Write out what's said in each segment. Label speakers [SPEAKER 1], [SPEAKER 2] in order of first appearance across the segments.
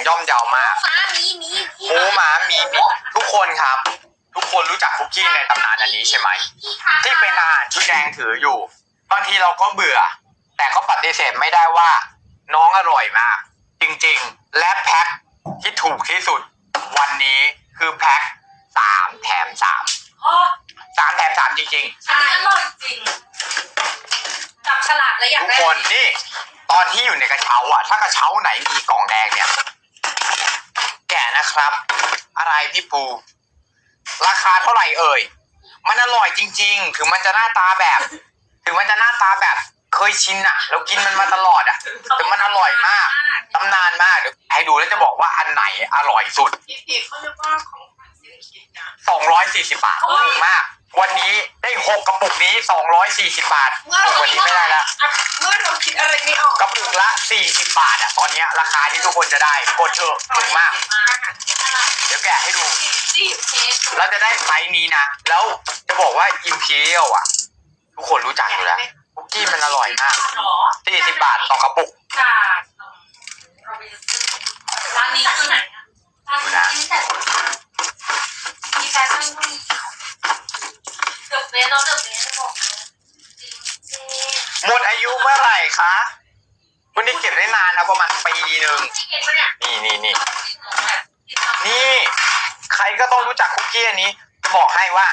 [SPEAKER 1] ย่อมเยาวมากหมูหมาหมีทุกคนครับ ทุกคนรู้จักคุกกี้ในตำนานอันนี้ใช่ไหมที่เป็นอาหารชุดแดงถืออยู่บางทีเราก็เบื่อแต่ก็ปฏิเสธไม่ได้ว่าน้องอร่อยมากจริงๆและแพ็คที่ถูกที่สุดวันนี้คือแพ็ค3 แถม 3 แถม 3จริงๆ
[SPEAKER 2] อันนี้อร่อยจริงจับฉลากเลยอยาก
[SPEAKER 1] ทุก
[SPEAKER 2] ได้
[SPEAKER 1] คนนี่ตอนที่อยู่ในกระเช้าอ่ะถ้ากระเช้าไหนมีกล่องแดงเนี่ยแกะนะครับอะไรพี่ปูราคาเท่าไหร่เอ่ยมันอร่อยจริงๆถึงมันจะหน้าตาแบบเคยชินอ่ะเรากินมันมาตลอดอ่ะแต่มันอร่อยมากตำนานมากเดี๋ยวให้ดูแล้วจะบอกว่าอันไหนอร่อยสุด
[SPEAKER 3] เขาเรียกว่าของขวัญสิ้นคิดนะ
[SPEAKER 1] 240 บาทถูกมากวันนี้ได้6 กระปุกนี้240 บาทวันนี้ไม่ได้แล้ว
[SPEAKER 3] เมื่อเราคิดอะไรไม่ออก
[SPEAKER 1] กระปุกละ40 บาทอ่ะตอนนี้ราคาที่ทุกคนจะได้กดเถอะถูกมากเดี๋ยวแกะให้ดูเราจะได้ไซส์นี้นะแล้วจะบอกว่า Imperial อ่ะทุกคนรู้จักอยู่แล้วคุกกี้มันอร่อยมาก40 บาทต่อกระปุก
[SPEAKER 2] ร้านนี้คือไหนร้านนี้มีแฟชั่นก็มีเดือบเบสเราเดือบเบสบอก
[SPEAKER 1] หมดอายุเมื่อไหร่คะวันนี้เก็บได้นานนะประมาณปีนึงนี่ใครก็ต้องรู้จักคุกกี้อันนี้จะบอกให้ว่า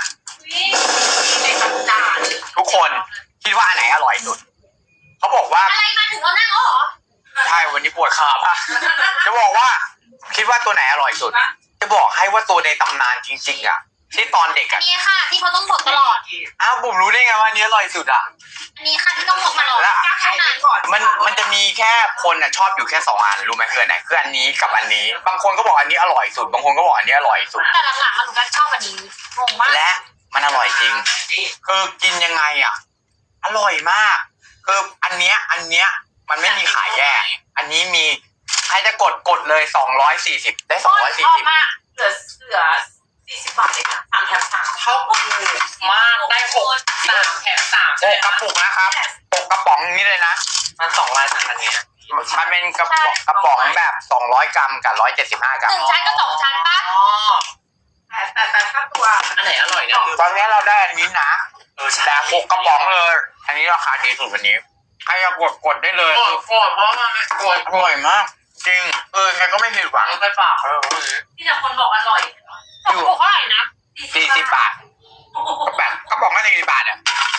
[SPEAKER 1] ทุกคนคิดว่าอันไหนอร่อยสุดเขาบอกว่า
[SPEAKER 2] อะไรมาถึงเรานั่งอ๋อ
[SPEAKER 1] ใช่วันนี้ปวดขาป่ะจะบอกว่าคิดว่าตัวไหนอร่อยสุดจะบอกให้ว่าตัวในตำนานจริงๆอ่ะที่ตอนเด็กอ่ะ
[SPEAKER 2] นี่ค่ะที่เขาต้องพกตลอด
[SPEAKER 1] อ้าวบุ๋มรู้ได้ไงว่าอันนี้อร่อยสุดอ่ะ
[SPEAKER 2] อันนี้ค่ะที่ต้องพกตลอด
[SPEAKER 1] แล้วมันจะมีแค่คนอ่ะชอบอยู่แค่2 อันรู้ไหมคืออันไหนคืออันนี้กับอันนี้บางคนก็บอกอันนี้อร่อยสุดบางคนก็บอกอันนี้อร่อยสุด
[SPEAKER 2] แต่หลังๆหนูก็ชอบอันนี้งงมาก
[SPEAKER 1] และมันอร่อยจริงคือกินยังไงอ่ะอร่อยมากคืออันเนี้ยมันไม่มีขายแยกอันนี้มีใครจะกดเลย240ได้240
[SPEAKER 3] มากเหลือ40 บาทเองนะ3 แถม 3
[SPEAKER 1] เท่าถูกมากได้
[SPEAKER 3] 3 แถม 3
[SPEAKER 1] 6 กระปุกนะครับ6 กระป๋องนี้เลยนะ
[SPEAKER 3] มัน200 อันนี้
[SPEAKER 1] มันเป็นกระป๋องแบบ200 กรัมกับ175 กรัม
[SPEAKER 2] 1 ชั้นกับ2 ชั้นปะ
[SPEAKER 3] แต่ค่าตัวอันไหนอร่อยเนี่ย
[SPEAKER 1] ตอนนี้เราได้อันนี้นะแต่6 กระป๋องเลยอันนี้ราคาดีสุดวันนี้ใครจะกดได้เลย
[SPEAKER 3] กดเพราะมันไม่กด
[SPEAKER 1] อร่อยมากจริงใครก็ไม่ผิดหวัง
[SPEAKER 3] ไปฝาก
[SPEAKER 2] ที่แต่คนบอกอร่อยถูกเท่าไหร่นะ
[SPEAKER 1] 40 บาทแบบกระป๋องละ40 บาทอ่ะ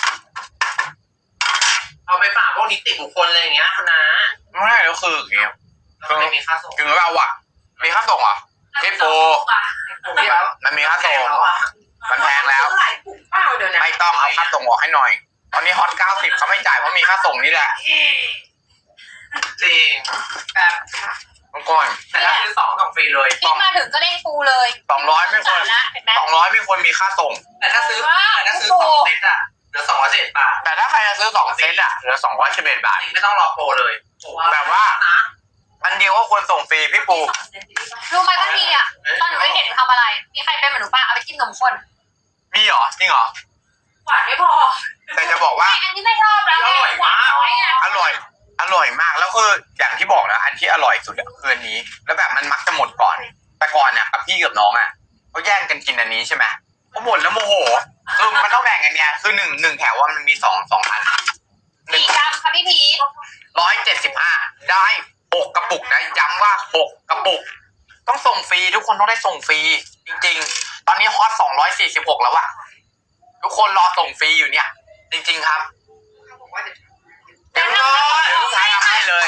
[SPEAKER 3] เอาไปฝากพวกนิติบุคคลอะไรอย่างเงี้ยคุณนะ
[SPEAKER 1] ไม่แล้วคืออย่างเงี้ย
[SPEAKER 3] ไม่มีค่าส่ง
[SPEAKER 1] ถึงเราอ่ะมีค่าส่งเหรอพี่โปมันมีค่าส่งมันแพงแล้วไม่ต้องเอาค่าส่งออกให้หน่อยตอนนี้ฮอต90เขาไม่จ่ายเพราะมีค่าส่งนี่แหละ
[SPEAKER 3] จริงแบบ
[SPEAKER 1] บางคน
[SPEAKER 3] แต่ถ้าซื้อ2กล่องฟรีเลย
[SPEAKER 2] ที่มาถึงก็เล่นปูเลย
[SPEAKER 1] 200ไม่ควร200ไม่ควรมีค่าส่ง
[SPEAKER 3] แต่ถ้าซื้อ2 เซตอ่ะเหลือ211 บาท
[SPEAKER 1] แต่ถ้าใครจะซื้อ2 เซตอ่ะเหลือ211 บาท
[SPEAKER 3] ไม่ต้องรอโปรเลย
[SPEAKER 1] แบบว่าอันเดียวก็ควรส่งฟรีพี่ปู
[SPEAKER 2] รู้ไหมว่ามีอ่ะตอนหนูไม่เห็นทำอะไรมีใครเป็นเหมือนหนูป้าเอาไปจิ้มนมข้น
[SPEAKER 1] มีเหรอจริงเหรอ
[SPEAKER 2] หวานไม่พอ
[SPEAKER 1] แต่จะบอกว่า
[SPEAKER 2] อันนี้ไม่ชอบแล้ว
[SPEAKER 1] อร่อยมากอร่อยมากแล้วคืออย่างที่บอกนะอันที่อร่อยสุดคืออันนี้แล้วแบบมันมักจะหมดก่อนแต่ก่อนเนี่ยกับพี่กับน้องอ่ะเขาแย่งกันกินอันนี้ใช่ไหมพอหมดแล้วโมโหคือมันต้องแบ่งกันไงคือหนึ่งแถวว่ามันมี2 อัน
[SPEAKER 2] 4 กรัมค่ะพี่พี
[SPEAKER 1] 175ได้6 กระปุกนะย้ำว่า6 กระปุกต้องส่งฟรีทุกคนต้องได้ส่งฟรีจริงๆตอนนี้ฮอต246แล้วอะทุกคนรอส่งฟรีอยู่เนี่ยจริงๆครับเดี๋ยวลูกค้าทำให้เลย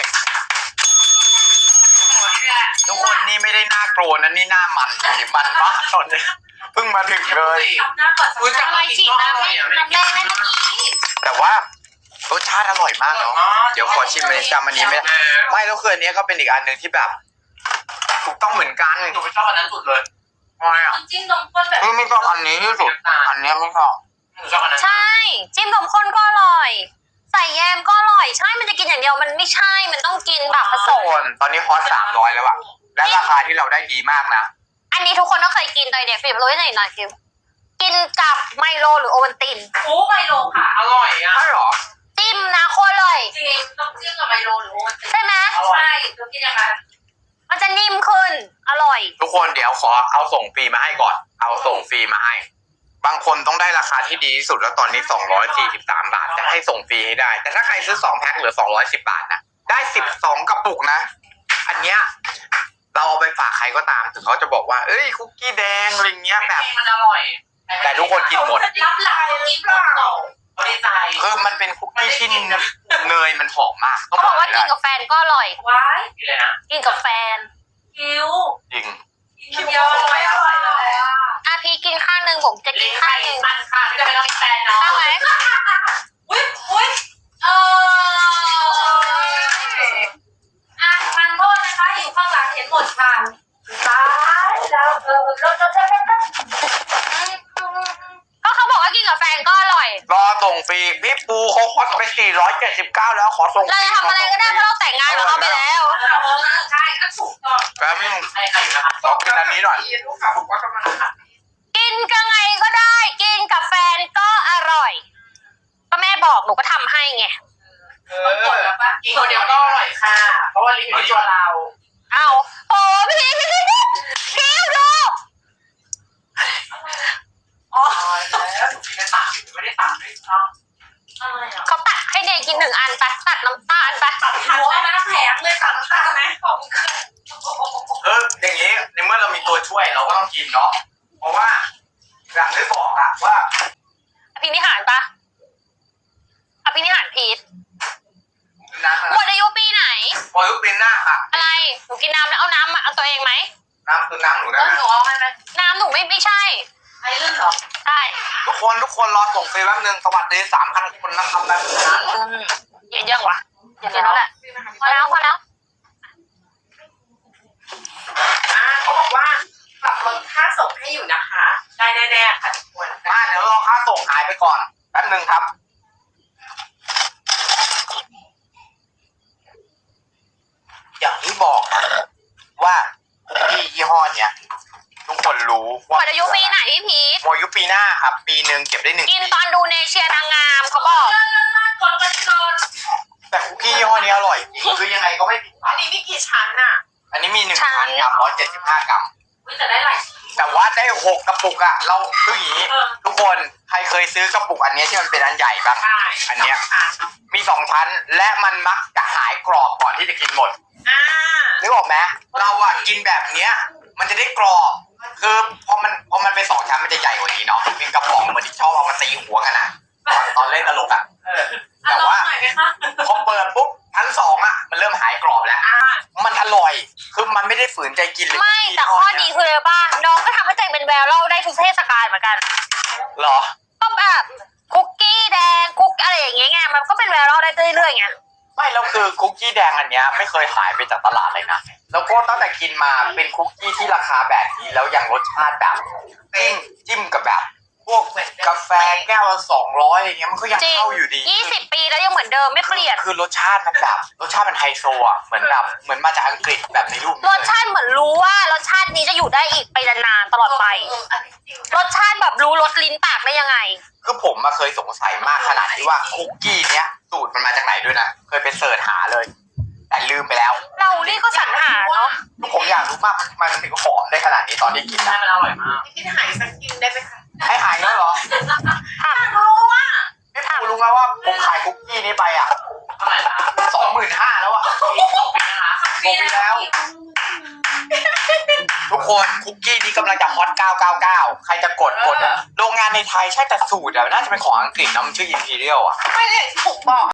[SPEAKER 1] ทุกคนนี่ไม่ได้หน้าโกรธนะนี่หน้ามันมันมากตอนนี้เพิ่งมาถึงเลย
[SPEAKER 2] คุณจะมาฉีดน้ำแรกนั่นนี่
[SPEAKER 1] แต่ว่ารสชาติอร่อยมากเนาะเดี๋ยวขอชิมเลยจำอันนี้ไม่แล้วคืออันนี้ก็เป็นอีกอันหนึ่งที่แบบถูกต้องเหมือนกัน
[SPEAKER 3] หนูไม่ชอบอันนั้นสุดเลย
[SPEAKER 1] ไม่อ่ะ
[SPEAKER 2] จิ้มนมข้นแบบ
[SPEAKER 1] ไม่ชอบอันนี้ที่สุดอันนี้ไม่ชอบ
[SPEAKER 2] ใช่จิ้มนมข้นก็อร่อยใส่แยมก็อร่อยใช่มันจะกินอย่างเดียวมันไม่ใช่มันต้องกินแบบผสม
[SPEAKER 1] ตอนนี้ฮอต300แล้วอะและราคาที่เราได้ดีมากนะ
[SPEAKER 2] อันนี้ทุกคนต้องเคยกินตอนเด็กฟิล์มรู้หน่อยฟิล์มกินกับไมโลหรือโอวัลติน
[SPEAKER 3] โอ้ไมโลค่ะอร่อยอ่ะ
[SPEAKER 1] ใช่หรอ
[SPEAKER 2] จิ้มนะโคตรเลย
[SPEAKER 3] จริงต้องจิ้มกับไมโลหรือโอวัลติน
[SPEAKER 2] ใช่ไหม
[SPEAKER 3] ใช่ต้องกินอย่างนั้น
[SPEAKER 2] มันจะนิ่มขึ้น
[SPEAKER 4] อร่อย
[SPEAKER 1] ทุกคนเดี๋ยวขอเอาส่งฟรีมาให้ก่อน เอาส่งฟรีมาให้ บางคนต้องได้ราคาที่ดีที่สุดแล้วตอนนี้243 บาทจะให้ส่งฟรีให้ได้ แต่ถ้าใครซื้อ2แพ็คเหลือ210 บาทนะได้12กระปุกนะอันเนี้ยเราเอาไปฝากใครก็ตามถึงเขาจะบอกว่าเอ้ยคุกกี้แดงอะไรเงี้ยแบบ
[SPEAKER 3] มันอร่อย
[SPEAKER 1] แต่ทุกคนกินหมด
[SPEAKER 2] รับหลังกินหมดเหรอ
[SPEAKER 3] เขาดีใจ
[SPEAKER 1] คือมันเป็นคุกกี้ที่เนยมันหอมมากต้อง
[SPEAKER 4] เขา
[SPEAKER 1] บบ อ
[SPEAKER 4] อก กว่ากินกับแฟนก็อร่อย
[SPEAKER 2] ว้าย
[SPEAKER 3] กินเลยนะ
[SPEAKER 4] กินกับแฟน
[SPEAKER 2] คิว
[SPEAKER 1] จริง
[SPEAKER 2] คิวเยอะไม่อร่อยเลยอ่ะ
[SPEAKER 4] พีกินข้างหนึ่งผมจะกิ
[SPEAKER 3] ลิ้
[SPEAKER 4] น
[SPEAKER 3] น
[SPEAKER 4] ข้า
[SPEAKER 3] ไข่
[SPEAKER 4] งหนึ่ง
[SPEAKER 3] มันค่ะไม่จำเป็นต้องมีแฟนเนาะ
[SPEAKER 4] ข้างไหม
[SPEAKER 2] อุ้ยอ่ะมันโทษนะคะอยู่ข้างหลังเห็นหมดค่ะตายแล้วเราจะ
[SPEAKER 4] ก็เขาบอกว่ากินกับแฟนก็อร่อย
[SPEAKER 1] รอส่งฟรีพี่ปูเขาฮอตไป479แล้วขอส่งฟ
[SPEAKER 4] เรา
[SPEAKER 1] รี
[SPEAKER 4] จะทำอะไรก็ได้เพราะเราแต่งงานกับเขาไปแล้ว
[SPEAKER 2] ใช่ก็ถูกต้อง
[SPEAKER 1] แป๊บนึง
[SPEAKER 3] ใช่ค่ะอยู่นะคะ
[SPEAKER 1] ขอกินอันนี้หน่อย
[SPEAKER 3] ลูกค้าบอกว่ากำลังหัด
[SPEAKER 4] กินกับไงก็ได้ กินกับแฟนก็อร่อย ก็แม่บอกหนูก็ทำให้ไง
[SPEAKER 2] มันหมดแล้วปะ
[SPEAKER 3] กินคนเดียวก็อร่อยค่ะ เพราะว่าลิ้นอยู่ที่ตัวเรา
[SPEAKER 4] เอาโอ้พี่คิวดู
[SPEAKER 3] อ๋อแล้วถูกกินในปากไม่ได้ตัดด้วยซ้ำ
[SPEAKER 2] อะไรอ่ะ
[SPEAKER 4] เขาตัดให้เนยกิน1 อันไปตัดน้ำตาลไป
[SPEAKER 2] หัวมันแผงเลยตัดน้ำตาลไหมของขึ้น
[SPEAKER 1] อย่างนี้ในเมื่อเรามีตัวช่วยเราก็ต้องกินเนาะเพราะว่าอย่างที่บอกอะว่า
[SPEAKER 4] อภินิหารปะอภินิหารพีช
[SPEAKER 1] น้ำ
[SPEAKER 4] หมดอายุปีไหน
[SPEAKER 1] พอยุบเป็นหน้าอะ
[SPEAKER 4] อะไร หนูกินน้ำแล้วเอาน้ำมาเอาตัวเองไหม
[SPEAKER 1] น้ำคือน้ำหนู
[SPEAKER 2] แล้
[SPEAKER 1] นะ
[SPEAKER 2] วหนูเอาให้ไหม
[SPEAKER 4] น้ำหนูไม่ใช่
[SPEAKER 2] ไอ้เรื่องเหรอ
[SPEAKER 4] ใช่
[SPEAKER 1] ทุกคนรอส่งฟรีแป๊บนึงสวัสดี3,000 คนนะครับแบบนี้นะ
[SPEAKER 4] เยอะยังวะเยอะแล้วแหละพอแล้วพอแล้ว
[SPEAKER 3] เขาบอกว่าปรับลดค่าส่งให้อยู่นะคะ ได้แน่ๆค่ะทุกคน
[SPEAKER 1] มาเดี๋ยวรอค่าส่งหายไปก่อนแป๊บนึงครับ อย่างที่บอกนะว่าคุกกี้ยี่ห้อเนี้ยทุกคนรู้
[SPEAKER 4] หมดอายุปีไหนพี่พีช
[SPEAKER 1] หมดอายุปีหน้าครับ ปีหนึ่งเก็บได้1
[SPEAKER 4] กิน
[SPEAKER 1] ปี
[SPEAKER 4] ตอนดูเนเชียนางงามเขาบอก
[SPEAKER 2] กด
[SPEAKER 1] แต่คุกกี้ยี่ห้อนี้อร่อยจริงคือยังไงก็ไม่ผิดหวั
[SPEAKER 3] อั
[SPEAKER 1] ง
[SPEAKER 3] นนี้มีกี่ชั้นน่ะ
[SPEAKER 1] อันนี้มี1 ชั้นครับ175 กรัม
[SPEAKER 2] อุ้ยแต่ได้หลายชิ้น
[SPEAKER 1] แต่ว่าได้6 กระปุกอะเราคืออย่างนี้ทุกคนใครเคยซื้อกระปุกอันเนี้ยที่มันเป็นอันใหญ่บ้าง
[SPEAKER 3] ใช่
[SPEAKER 1] อันเนี้ยมี2 ชั้นและมันมักจะหายกรอบก่อนที่จะกินหมด
[SPEAKER 3] อ่า
[SPEAKER 1] นึกออกไหมเราอะกินแบบเนี้ย มันจะได้กรอบคือพอมันเป็น2 ชั้นมันจะใหญ่กว่านี้เนาะเป็นกระป๋องเหมือนที่ชอบเอามาตีหัวกันอะตอนเล่นตลกอะ
[SPEAKER 2] อ่ะลองหน่อยไหมคะ
[SPEAKER 1] พอเปิดปุ๊บชั้น2อะมันเริ่มหายกรอบแล้วมันอร่อยคือมันไม่ได้ฝืนใจกินเลย
[SPEAKER 4] ไม่แต่ข้อดีคืออะไรบ้างน้องก็ทำให้ใจเป็นแววเราได้ทุกเทศกาลเหมือนกัน
[SPEAKER 1] เหรอ
[SPEAKER 4] ก็แบบคุกกี้แดงคุกอะไรอย่างเงี้ยไงมันก็เป็นแววเราได้เรื่อยๆไง
[SPEAKER 1] ไม่แล้วคือคุกกี้แดงอันเนี้ยไม่เคยหายไปจากตลาดเลยนะแล้วก็ตั้งแต่กินมาเป็นคุกกี้ที่ราคาแบบนี้แล้วยังรสชาติแบบจิ้มกับแบบพวกกาแฟแก้วละ200อย่างเงี้ยมันก็ยัง
[SPEAKER 4] จริง
[SPEAKER 1] เข้าอยู่ดี
[SPEAKER 4] 20 ปีแล้วยังเหมือนเดิมไม่เปลี่ยน
[SPEAKER 1] คือรสชาติมันแบบรสชาติมันไฮโซอ่ะเหมือนแบบเหมือนมาจากอังกฤษแบบในรูปนี้
[SPEAKER 4] รสชาติเหมือนรู้ว่ารสชาตินี้จะอยู่ได้อีกไปนานๆตลอดไป
[SPEAKER 2] อันนี้จริง
[SPEAKER 4] รสชาติแบบรู้รสลิ้นปากได้ยังไง
[SPEAKER 1] คือผมมาเคยสงสัยมากขนาดที่ว่าคุกกี้เนี้ยสูตรมันมาจากไหนด้วยนะเคยไปเสิร์ชหาเลย แต่ลืมไปแล้ว
[SPEAKER 4] เรานี่ก็สรรหาเนาะ
[SPEAKER 1] ผมอยากรู้มากมันถึงหอมได้ขนาดนี้ตอนที่กิน
[SPEAKER 3] ใช่
[SPEAKER 1] นะ
[SPEAKER 3] มันอร่อยมากพี่หายสักกินได้ไหมคะ
[SPEAKER 1] ให้หายแล้วเหรอ
[SPEAKER 4] ถาม
[SPEAKER 3] รู้ว่า
[SPEAKER 1] พี่ปูรู้ไหมว่าผมขายคุกกี้นี้ไปอ่ะ
[SPEAKER 3] เท่าไหร่ละ
[SPEAKER 1] 25,000แล้วอ่ะ
[SPEAKER 3] นะคะ
[SPEAKER 1] หมดไปแล้ว ทุกคนคุกกี้นี้กำลังจะฮอต999ใครจะกดโรงงานในไทยใช่แต่สูตรอะน่าจะเป็นของอังกฤษนะมันชื่อ Imperial อ่ะ
[SPEAKER 3] ไม่ได้ถูกบอก